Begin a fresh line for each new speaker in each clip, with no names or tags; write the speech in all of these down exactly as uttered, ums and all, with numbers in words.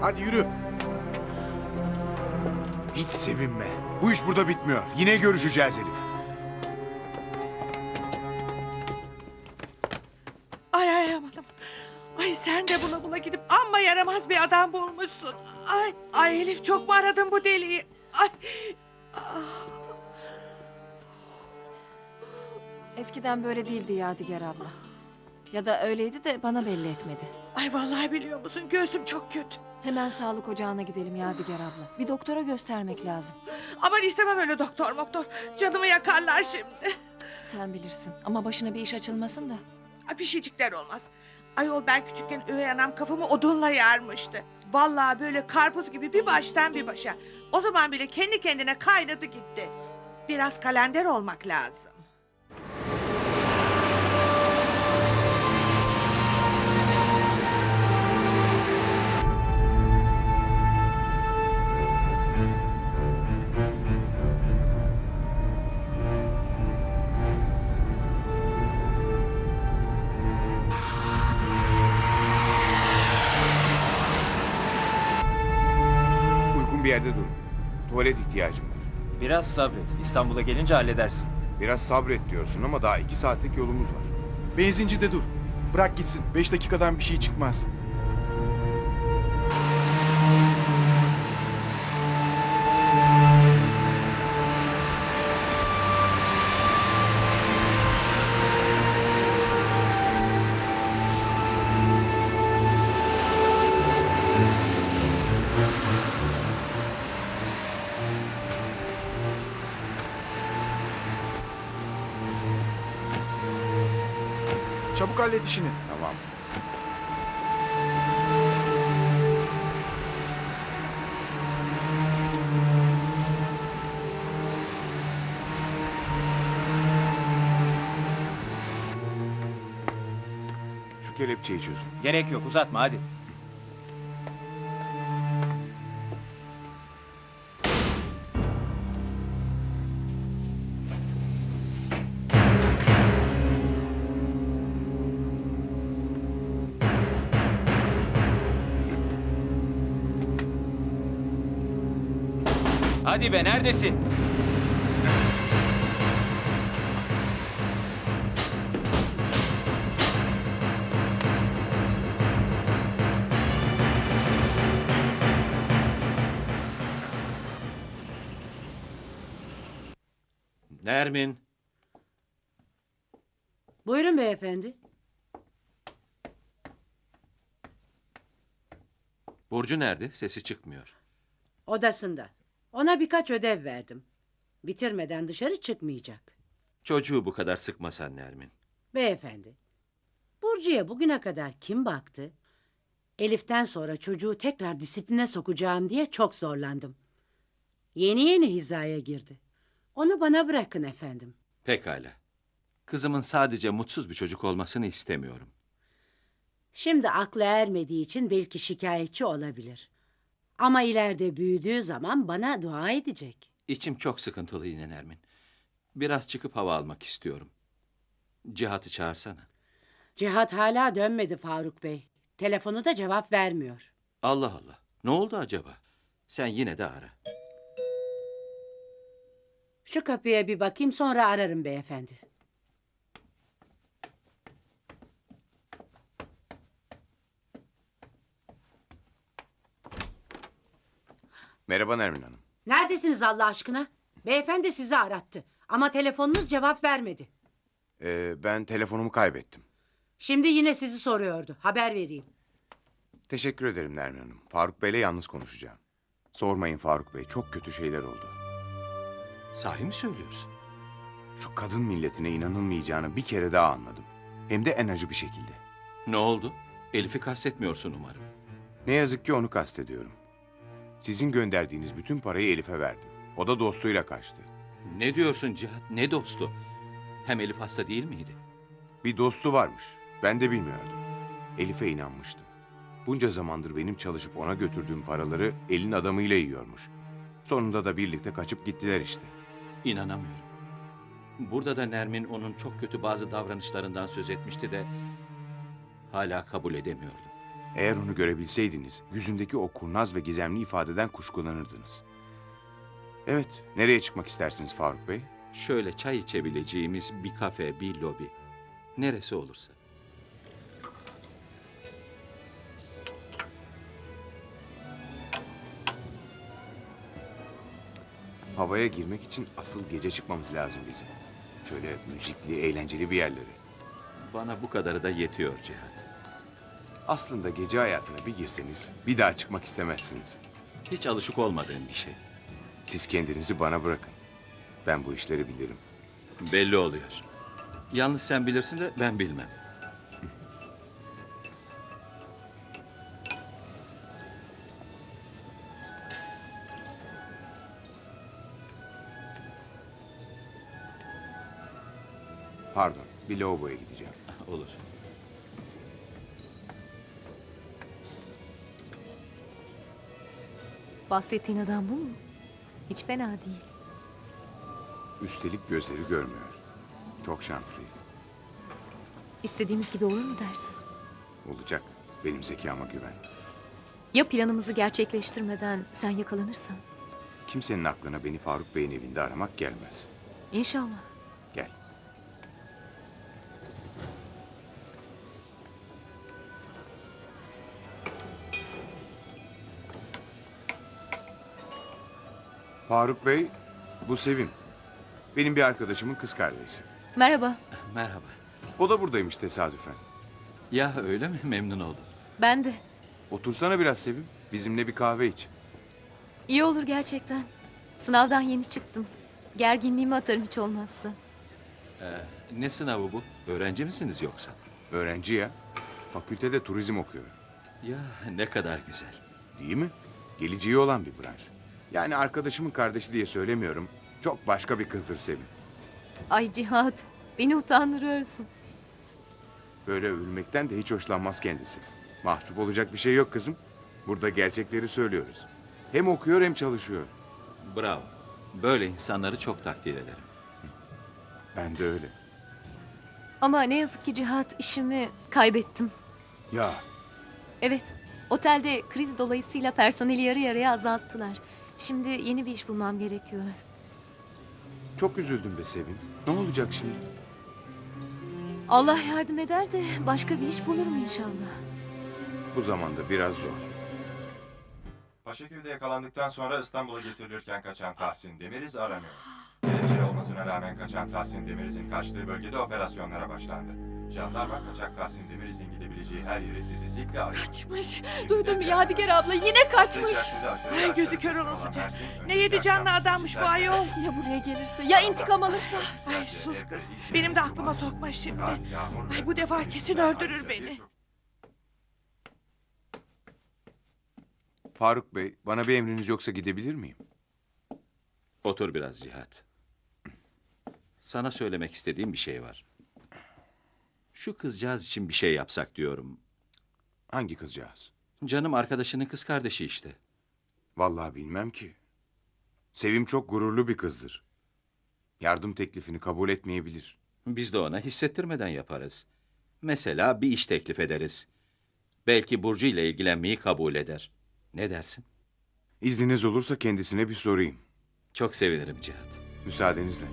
Hadi yürü. Hiç sevinme. Bu iş burada bitmiyor. Yine görüşeceğiz Elif.
Ay ay aman aman. Ay sen de bula bula gidip amma yaramaz bir adam bulmuşsun. Ay ay Elif, çok mu aradın bu deliği? Ay.
Eskiden böyle değildi Yadigar abla. Ya da öyleydi de bana belli etmedi.
Ay vallahi biliyor musun, göğsüm çok kötü.
Hemen sağlık ocağına gidelim Yadigar abla. Bir doktora göstermek lazım.
Aman istemem öyle doktor doktor. Canımı yakarlar şimdi.
Sen bilirsin ama başına bir iş açılmasın da.
Ay, bir şeycikler olmaz. Ayol, ben küçükken üvey anam kafamı odunla yarmıştı. Vallahi böyle karpuz gibi bir baştan bir başa. O zaman bile kendi kendine kaynadı gitti. Biraz kalender olmak lazım.
Uygun bir yerde durun. Tuvalet ihtiyacım var.
Biraz sabret. İstanbul'a gelince halledersin.
Biraz sabret diyorsun ama daha iki saatlik yolumuz var.
Benzincide dur. Bırak gitsin. Beş dakikadan bir şey çıkmaz. Çabuk hallet işini.
Tamam. Şu kelepçeyi çözün.
Gerek yok, uzatma hadi. Hadi be, neredesin?
Nermin,
Buyurun beyefendi.
Burcu nerede? Sesi çıkmıyor.
Odasında. Ona birkaç ödev verdim. Bitirmeden dışarı çıkmayacak.
Çocuğu bu kadar sıkmasan Nermin.
Beyefendi, Burcu'ya bugüne kadar kim baktı? Elif'ten sonra çocuğu tekrar disipline sokacağım diye çok zorlandım. Yeni yeni hizaya girdi. Onu bana bırakın efendim.
Pekala. Kızımın sadece mutsuz bir çocuk olmasını istemiyorum.
Şimdi aklı ermediği için belki şikayetçi olabilir. Ama ileride büyüdüğü zaman bana dua edecek.
İçim çok sıkıntılı yine Nermin. Biraz çıkıp hava almak istiyorum. Cihat'ı çağırsana.
Cihat hala dönmedi Faruk Bey. Telefonu da cevap vermiyor.
Allah Allah. Ne oldu acaba? Sen yine de ara.
Şu kapıya bir bakayım, sonra ararım beyefendi.
Merhaba Nermin Hanım.
Neredesiniz Allah aşkına? Beyefendi sizi arattı ama telefonunuz cevap vermedi.
Ee, ben telefonumu kaybettim.
Şimdi yine sizi soruyordu. Haber vereyim.
Teşekkür ederim Nermin Hanım. Faruk Bey'le yalnız konuşacağım. Sormayın Faruk Bey, çok kötü şeyler oldu.
Sahi mi söylüyorsun?
Şu kadın milletine inanılmayacağını bir kere daha anladım. Hem de en acı bir şekilde.
Ne oldu? Elif'i kastetmiyorsun umarım.
Ne yazık ki onu kastediyorum. Sizin gönderdiğiniz bütün parayı Elif'e verdim. O da dostuyla kaçtı.
Ne diyorsun Cihat? Ne dostu? Hem Elif hasta değil miydi?
Bir dostu varmış. Ben de bilmiyordum. Elif'e inanmıştım. Bunca zamandır benim çalışıp ona götürdüğüm paraları elin adamıyla yiyormuş. Sonunda da birlikte kaçıp gittiler işte.
İnanamıyorum. Burada da Nermin onun çok kötü bazı davranışlarından söz etmişti de hala kabul edemiyordum.
Eğer onu görebilseydiniz, yüzündeki o kurnaz ve gizemli ifadeden kuşkulanırdınız. Evet, nereye çıkmak istersiniz Faruk Bey?
Şöyle çay içebileceğimiz bir kafe, bir lobi. Neresi olursa.
Havaya girmek için asıl gece çıkmamız lazım bizim. Şöyle müzikli, eğlenceli bir yerlere.
Bana bu kadarı da yetiyor Cihat.
Aslında gece hayatına bir girseniz bir daha çıkmak istemezsiniz.
Hiç alışık olmadığım bir şey.
Siz kendinizi bana bırakın. Ben bu işleri bilirim.
Belli oluyor. Yalnız sen bilirsin de ben bilmem.
Pardon, bir lavaboya gideceğim.
Olur.
Bahsettiğin adam bu mu? Hiç fena değil.
Üstelik gözleri görmüyor. Çok şanslıyız.
İstediğimiz gibi olur mu dersin?
Olacak. Benim zekama güven.
Ya planımızı gerçekleştirmeden sen yakalanırsan?
Kimsenin aklına beni Faruk Bey'in evinde aramak gelmez.
İnşallah.
Gel. Faruk Bey, bu Sevim. Benim bir arkadaşımın kız kardeşi.
Merhaba.
Merhaba.
O da buradaymış tesadüfen.
Ya öyle mi? Memnun oldum.
Ben de.
Otursana biraz Sevim. Bizimle bir kahve iç.
İyi olur gerçekten. Sınavdan yeni çıktım. Gerginliğimi atarım hiç olmazsa.
Ne sınavı bu? Öğrenci misiniz yoksa?
Öğrenci ya. Fakültede turizm okuyor.
Ya ne kadar güzel.
Değil mi? Geleceği olan bir branş. Yani arkadaşımın kardeşi diye söylemiyorum. Çok başka bir kızdır Sevim.
Ay Cihat, beni utandırıyorsun.
Böyle övülmekten de hiç hoşlanmaz kendisi. Mahcup olacak bir şey yok kızım. Burada gerçekleri söylüyoruz. Hem okuyor hem çalışıyor.
Bravo. Böyle insanları çok takdir ederim.
Ben de öyle.
Ama ne yazık ki Cihat, işimi kaybettim.
Ya
Evet, otelde kriz dolayısıyla personeli yarı yarıya azalttılar. Şimdi yeni bir iş bulmam gerekiyor.
çok üzüldüm be Sevim. Ne olacak şimdi?
Allah yardım eder de başka bir iş bulurum inşallah.
Bu zamanda biraz zor.
Paşaköy'de yakalandıktan sonra İstanbul'a getirilirken kaçan Tahsin Demiriz aranıyor. Kelepçeli olmasına rağmen kaçan Tahsin Demiriz'in kaçtığı bölgede operasyonlara başlandı. Jandarma kaçak Tahsin Demiriz'in gidebileceği her yeri titizlikle arıyor.
Kaçmış. Duydun mu Yadigar abla? Yine kaçmış.
Ay gözü kör olasıca. Ne yedi canlı adammış bu ayol.
Ya buraya gelirse, ya intikam alırsa?
Ay sus kız. Benim de aklıma sokma şimdi. Ay bu defa kesin öldürür beni.
Faruk Bey, bana bir emriniz yoksa gidebilir miyim?
Otur biraz Cihat. Sana söylemek istediğim bir şey var. Şu kızcağız için bir şey yapsak diyorum.
Hangi kızcağız?
Canım arkadaşının kız kardeşi işte.
Vallahi bilmem ki. Sevim çok gururlu bir kızdır. Yardım teklifini kabul etmeyebilir.
Biz de ona hissettirmeden yaparız. Mesela bir iş teklif ederiz. Belki Burcu ile ilgilenmeyi kabul eder. Ne dersin?
İzniniz olursa kendisine bir sorayım.
Çok sevinirim Cihat.
Müsaadenizle.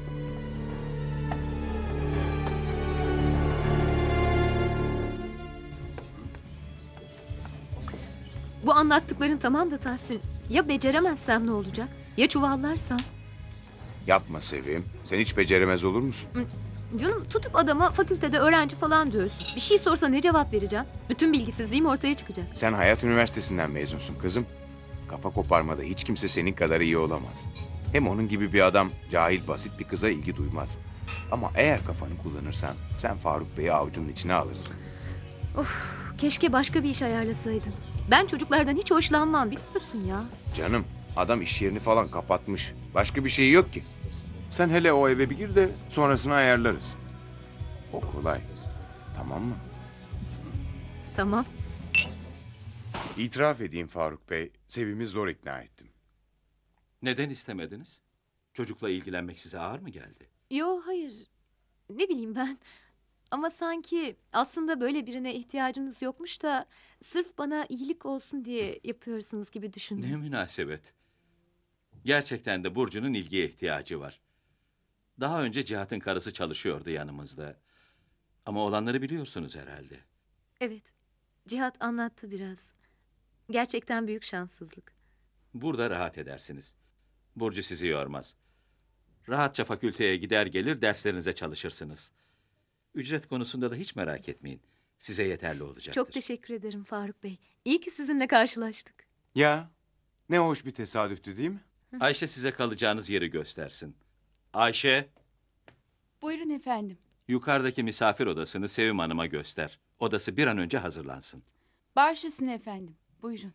Bu anlattıkların tamam da Tahsin. Ya beceremezsem ne olacak? Ya çuvallarsam?
Yapma Sevim. Sen hiç beceremez olur musun?
Canım tutup adama fakültede öğrenci falan diyorsun. Bir şey sorsa ne cevap vereceğim? Bütün bilgisizliğim ortaya çıkacak.
Sen Hayat Üniversitesi'nden mezunsun kızım. Kafa koparmada hiç kimse senin kadar iyi olamaz. Hem onun gibi bir adam cahil basit bir kıza ilgi duymaz. Ama eğer kafanı kullanırsan sen Faruk Bey'i avucunun içine alırsın.
Of, keşke başka bir iş ayarlasaydın. Ben çocuklardan hiç hoşlanmam biliyorsun ya.
Canım adam iş yerini falan kapatmış. Başka bir şey yok ki. Sen hele o eve bir gir de sonrasını ayarlarız. O kolay. Tamam mı?
Tamam.
İtiraf edeyim Faruk Bey, Sevim'i zor ikna ettim.
Neden istemediniz? Çocukla ilgilenmek size ağır mı geldi?
Yo hayır. Ne bileyim ben. Ama sanki aslında böyle birine ihtiyacınız yokmuş da sırf bana iyilik olsun diye yapıyorsunuz gibi düşündüm.
Ne münasebet. Gerçekten de Burcu'nun ilgiye ihtiyacı var. Daha önce Cihat'ın karısı çalışıyordu yanımızda. Ama olanları biliyorsunuz herhalde.
Evet, Cihat anlattı biraz. Gerçekten büyük şanssızlık.
Burada rahat edersiniz. Burcu sizi yormaz. Rahatça fakülteye gider gelir derslerinize çalışırsınız. Ücret konusunda da hiç merak etmeyin. Size yeterli olacaktır.
Çok teşekkür ederim Faruk Bey. İyi ki sizinle karşılaştık.
Ya ne hoş bir tesadüftü değil mi?
Ayşe size kalacağınız yeri göstersin. Ayşe,
Buyurun efendim.
yukarıdaki misafir odasını Sevim Hanım'a göster. Odası bir an önce hazırlansın.
Baş üstüne efendim. Buyurun.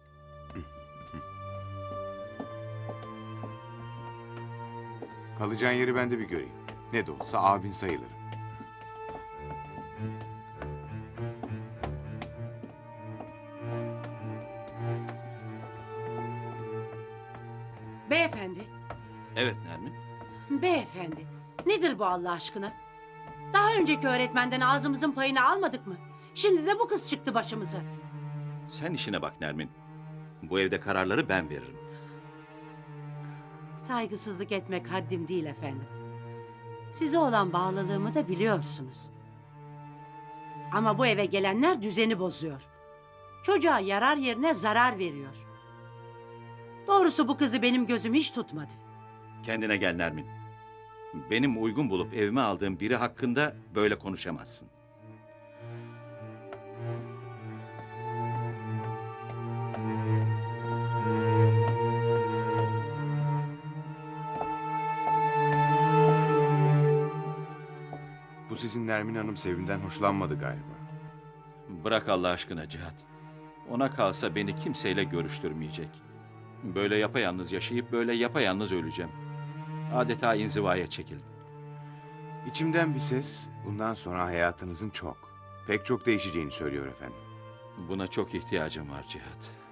Kalacağın yeri ben de bir göreyim. Ne de olsa abin sayılırım.
Beyefendi,
Evet Nermin.
beyefendi. Nedir bu Allah aşkına? Daha önceki öğretmenden ağzımızın payını almadık mı? Şimdi de bu kız çıktı başımıza.
Sen işine bak Nermin. Bu evde kararları ben veririm.
Saygısızlık etmek haddim değil efendim. Size olan bağlılığımı da biliyorsunuz. Ama bu eve gelenler düzeni bozuyor. Çocuğa yarar yerine zarar veriyor. Doğrusu bu kızı benim gözüm hiç tutmadı.
Kendine gel Nermin. Benim uygun bulup evime aldığım biri hakkında böyle konuşamazsın.
Bu sizin Nermin Hanım Sevim'den hoşlanmadı galiba.
Bırak Allah aşkına Cihat. Ona kalsa beni kimseyle görüştürmeyecek. Böyle yapayalnız yaşayıp böyle yapayalnız öleceğim. Adeta inzivaya çekildim.
İçimden bir ses bundan sonra hayatınızın çok, pek çok değişeceğini söylüyor efendim.
Buna çok ihtiyacım var Cihat.